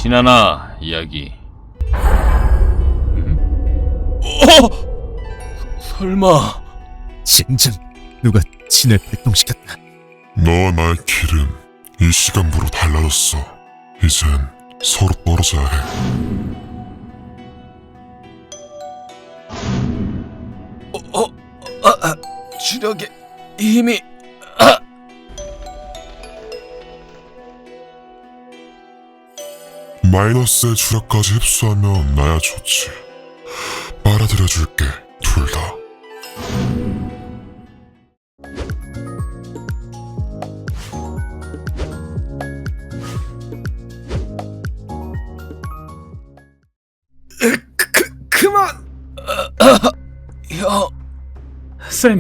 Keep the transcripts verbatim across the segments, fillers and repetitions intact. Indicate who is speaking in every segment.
Speaker 1: 신하나 이야기. 음? 어? 설마
Speaker 2: 젠장, 누가 진을 발동시켰다.
Speaker 3: 너와 나의 길은 이 시간부로 달라졌어. 이젠 서로 떨어져야 해.
Speaker 1: 어, 어, 아, 아, 주력의 힘이 아.
Speaker 3: 마이너스의 주력까지 흡수하면 나야 좋지. 빨아들여줄게, 둘 다.
Speaker 1: 그, 그만! 아, 아, 형... 쌤...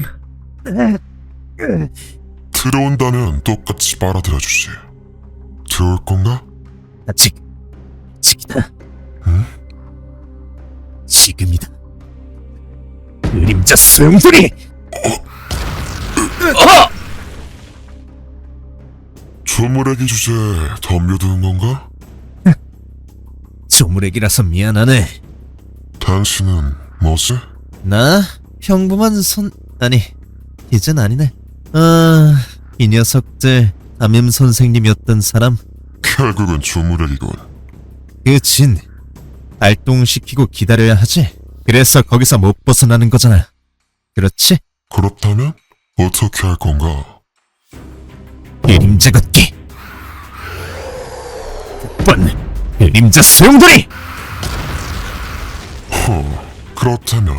Speaker 3: 들어온다면 똑같이 빨아들여주지. 들어올 건가?
Speaker 2: 아직, 아직이다.
Speaker 3: 응?
Speaker 2: 지금이다. 그림자 수용소리!
Speaker 1: 어!
Speaker 3: 조물애기 주제에 덤벼드는 건가?
Speaker 2: 조물애기라서 미안하네.
Speaker 3: 당신은 뭐지?
Speaker 2: 나 평범한 선... 아니, 이젠 아니네. 아... 이 녀석들 담임 선생님이었던 사람.
Speaker 3: 결국은 조물애기군.
Speaker 2: 그 진 발동시키고 기다려야 하지. 그래서 거기서 못 벗어나는 거잖아. 그렇지?
Speaker 3: 그렇다면 어떻게 할 건가?
Speaker 2: 그림자 걷기. 번 그림자 수용돌이.
Speaker 3: 허, 그렇다면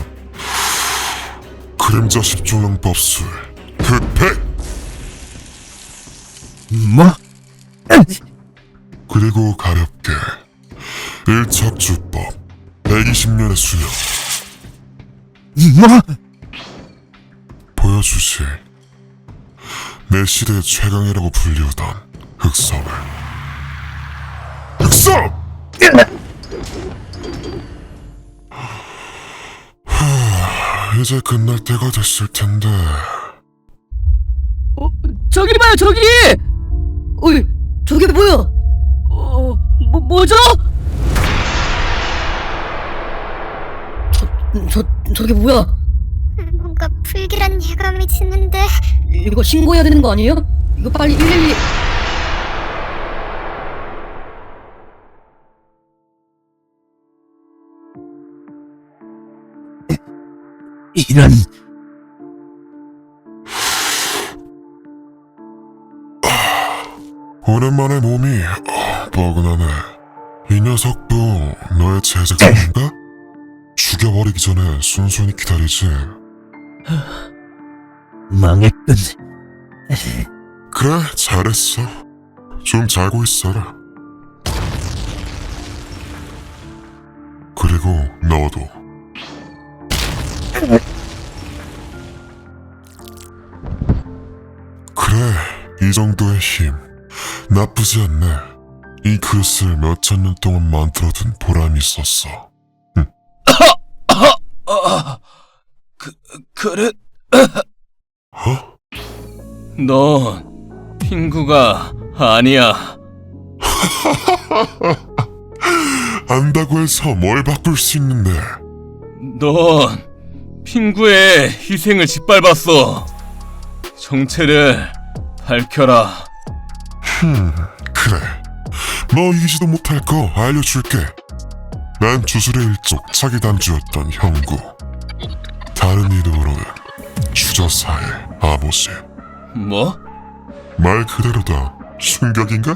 Speaker 3: 그림자 십조형 법술 흑백!
Speaker 2: 뭐?
Speaker 3: 그리고 가볍게 일척주법 백이십 년의 수명
Speaker 2: 뭐?
Speaker 3: 보여주지. 내 시대의 최강이라고 불리우던 흑섬을. 흑섬! 하, 이제 끝날 때가 됐을 텐데.
Speaker 4: 어, 저기 봐요, 저기! 어이, 저게 뭐야? 어, 뭐, 뭐죠? 저, 저, 저게 뭐야?
Speaker 5: 뭔가 불길한 예감이 드는데.
Speaker 4: 이거 신고해야 되는 거 아니에요? 이거 빨리 일일이...
Speaker 2: 이런...
Speaker 3: 오랜만에 몸이 어, 뻐근하네. 이 녀석도 너의 제작자인가? 죽여버리기 전에 순순히 기다리지.
Speaker 2: 망했군.
Speaker 3: 그래, 잘했어. 좀 자고 있어라. 그리고 너도. 그래, 이 정도의 힘 나쁘지 않네. 이 그릇을 몇천 년 동안 만들어둔 보람이 있었어. 응.
Speaker 1: 아, 그, 그래?
Speaker 3: 어?
Speaker 1: 넌 핑구가 아니야.
Speaker 3: 안다고 해서 뭘 바꿀 수 있는데.
Speaker 1: 넌 핑구의 희생을 짓밟았어. 정체를 밝혀라.
Speaker 3: 흠, 그래. 너 이기지도 못할 거 알려줄게. 난 주술의 일족 차기단주였던 형구. 다른 이름으로는 주저사의 아버지.
Speaker 1: 뭐?
Speaker 3: 말 그대로다. 충격인가?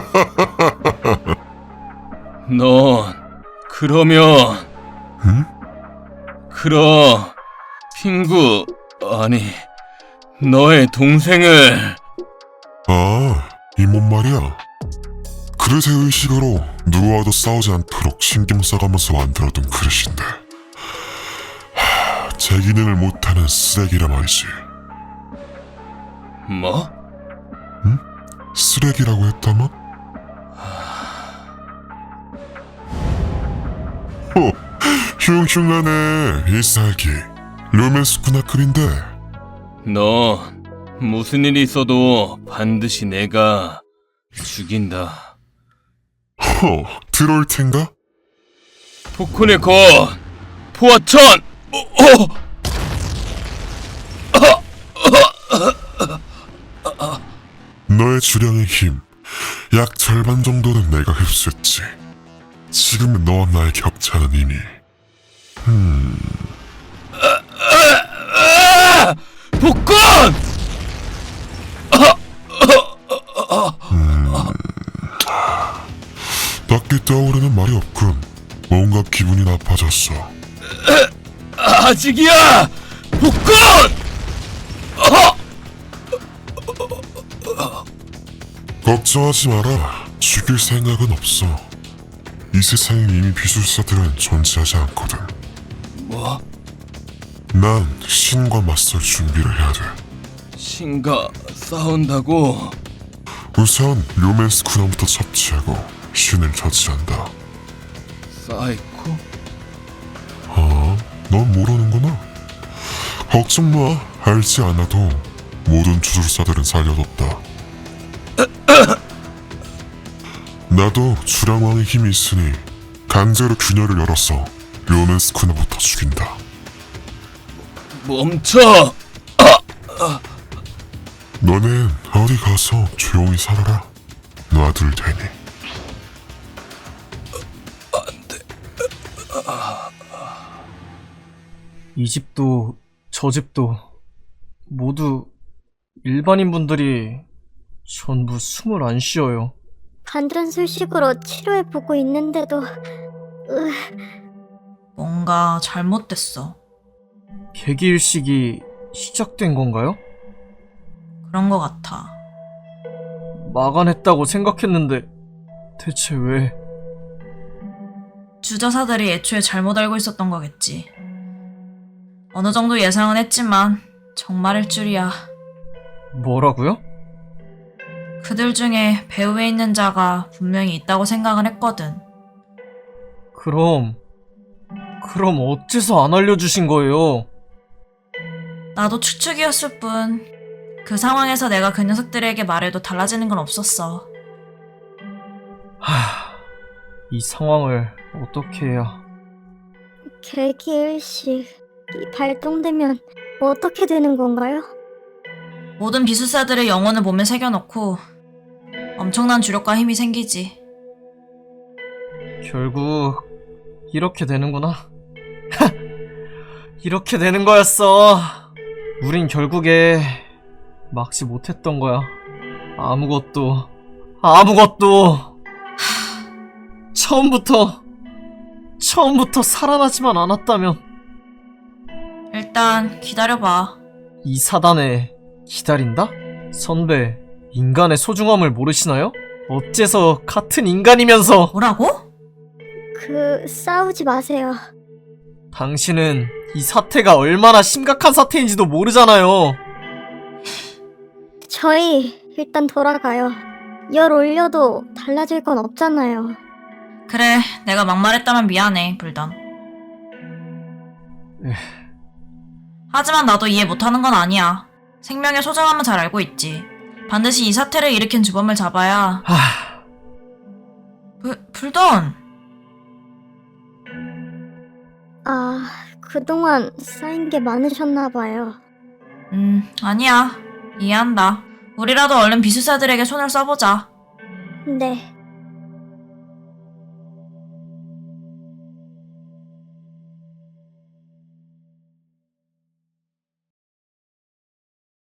Speaker 1: 넌 그러면
Speaker 3: 응?
Speaker 1: 그럼 핑구 아니 너의 동생을
Speaker 3: 아, 이 몸 말이야. 그릇의 의식으로 누구와도 싸우지 않도록 신경 써가면서 만들어둔 그릇인데 하, 제 기능을 못하는 쓰레기라 말이지.
Speaker 1: 뭐?
Speaker 3: 쓰레기라고 했다마? 호, 흉흉하네 이살기. 로맨스쿠나급인데.
Speaker 1: 넌 무슨 일이 있어도 반드시 내가 죽인다.
Speaker 3: 어, 들어올 텐가?
Speaker 1: 폭군의 건 포화천. 어, 어.
Speaker 3: 너의 주량의 힘, 약 절반 정도는 내가 흡수했지. 지금은 너와 나의 격차는 이미.
Speaker 1: 아! 폭군!
Speaker 3: 딱히 떠오르는 말이 없군. 뭔가 기분이 나빠졌어.
Speaker 1: 아직이야! 폭군!
Speaker 3: 걱정하지 마라. 죽일 생각은 없어. 이 세상에 이미 비술사들은 존재하지 않거든.
Speaker 1: 뭐?
Speaker 3: 난 신과 맞설 준비를 해야 돼.
Speaker 1: 신과 싸운다고?
Speaker 3: 우선 료맨스 군함부터 섭취하고 신을 처치한다.
Speaker 1: 사이코?
Speaker 3: 아, 넌 모르는구나. 걱정 마. 알지 않아도 모든 주술사들은 살려뒀다. 나도 주량왕의 힘이 있으니 강제로 균열을 열어서 료맨스 군함부터 죽인다.
Speaker 1: 멈춰!
Speaker 3: 너넨 어디 가서 조용히 살아라. 놔둘 테니.
Speaker 6: 이 집도 저 집도 모두 일반인 분들이 전부 숨을 안 쉬어요.
Speaker 5: 반전술식으로 치료해보고 있는데도 으,
Speaker 7: 뭔가 잘못됐어.
Speaker 6: 개기일식이 시작된 건가요?
Speaker 7: 그런 거 같아.
Speaker 6: 마감했다고 생각했는데 대체 왜?
Speaker 7: 주저사들이 애초에 잘못 알고 있었던 거겠지. 어느 정도 예상은 했지만 정말일 줄이야.
Speaker 6: 뭐라고요?
Speaker 7: 그들 중에 배후에 있는 자가 분명히 있다고 생각을 했거든.
Speaker 6: 그럼 그럼 어째서 안 알려주신 거예요?
Speaker 7: 나도 추측이었을 뿐 그 상황에서 내가 그 녀석들에게 말해도 달라지는 건 없었어.
Speaker 6: 하... 이 상황을 어떻게 해야...
Speaker 5: 개기일식이 발동되면 어떻게 되는 건가요?
Speaker 7: 모든 비술사들의 영혼을 몸에 새겨놓고 엄청난 주력과 힘이 생기지.
Speaker 6: 결국 이렇게 되는구나. 이렇게 되는 거였어. 우린 결국에 막지 못했던 거야. 아무것도 아무것도 처음부터 처음부터 살아나지만 않았다면.
Speaker 7: 일단 기다려봐.
Speaker 6: 이 사단에 기다린다? 선배, 인간의 소중함을 모르시나요? 어째서 같은 인간이면서...
Speaker 7: 뭐라고?
Speaker 5: 그 싸우지 마세요.
Speaker 6: 당신은 이 사태가 얼마나 심각한 사태인지도 모르잖아요.
Speaker 5: 저희 일단 돌아가요. 열 올려도 달라질 건 없잖아요.
Speaker 7: 그래, 내가 막말했다면 미안해, 불던.
Speaker 6: 에휴.
Speaker 7: 하지만 나도 이해 못하는 건 아니야. 생명의 소중함은 잘 알고 있지. 반드시 이 사태를 일으킨 주범을 잡아야...
Speaker 6: 하...
Speaker 7: 불, 불던!
Speaker 5: 아, 그동안 쌓인 게 많으셨나봐요.
Speaker 7: 음, 아니야. 이해한다. 우리라도 얼른 비술사들에게 손을 써보자.
Speaker 5: 네.